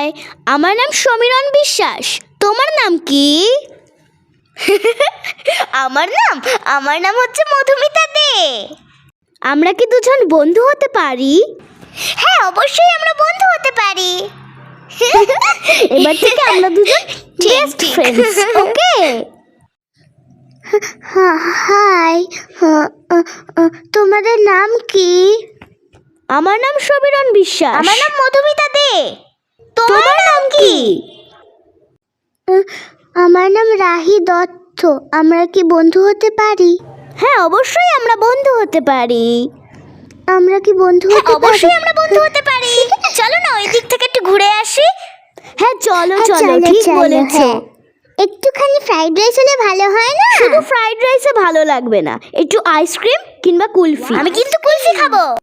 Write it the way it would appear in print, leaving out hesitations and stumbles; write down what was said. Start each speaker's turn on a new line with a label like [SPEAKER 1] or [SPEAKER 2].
[SPEAKER 1] High, আমার নাম সমীরণ বিশ্বাস। তোমার নাম কি?
[SPEAKER 2] আমার নাম হচ্ছে মধুমিতা দে।
[SPEAKER 1] আমরা কি দুজন বন্ধু হতে পারি?
[SPEAKER 2] হ্যাঁ, অবশ্যই আমরা বন্ধু হতে পারি।
[SPEAKER 1] এবার থেকে আমরা দুজন বেস্ট ফ্রেন্ডস, ওকে?
[SPEAKER 2] হাই, তোমাদের নাম কি?
[SPEAKER 1] আমার নাম সমীরণ বিশ্বাস।
[SPEAKER 2] আমার নাম মধুমিতা দে।
[SPEAKER 1] তোমার নাম কি?
[SPEAKER 2] আমার নাম রাহি দত্ত। আমরা কি বন্ধু হতে পারি?
[SPEAKER 1] হ্যাঁ, অবশ্যই আমরা বন্ধু হতে পারি।
[SPEAKER 2] আমরা কি বন্ধু হতে পারি?
[SPEAKER 1] অবশ্যই আমরা বন্ধু হতে পারি।
[SPEAKER 2] চলো না, ওই দিক থেকে একটু ঘুরে আসি।
[SPEAKER 1] হ্যাঁ, চলো
[SPEAKER 2] হ্যাঁ,
[SPEAKER 1] চলো, ঠিক বলেছো।
[SPEAKER 2] হ্যাঁ। একটুখানি ফ্রাইড রাইস হলে ভালো হয় না?
[SPEAKER 1] শুধু ফ্রাইড রাইসে ভালো লাগবে না, একটু আইসক্রিম কিংবা কুলফি।
[SPEAKER 2] আমি কিন্তু কুলফি খাবো।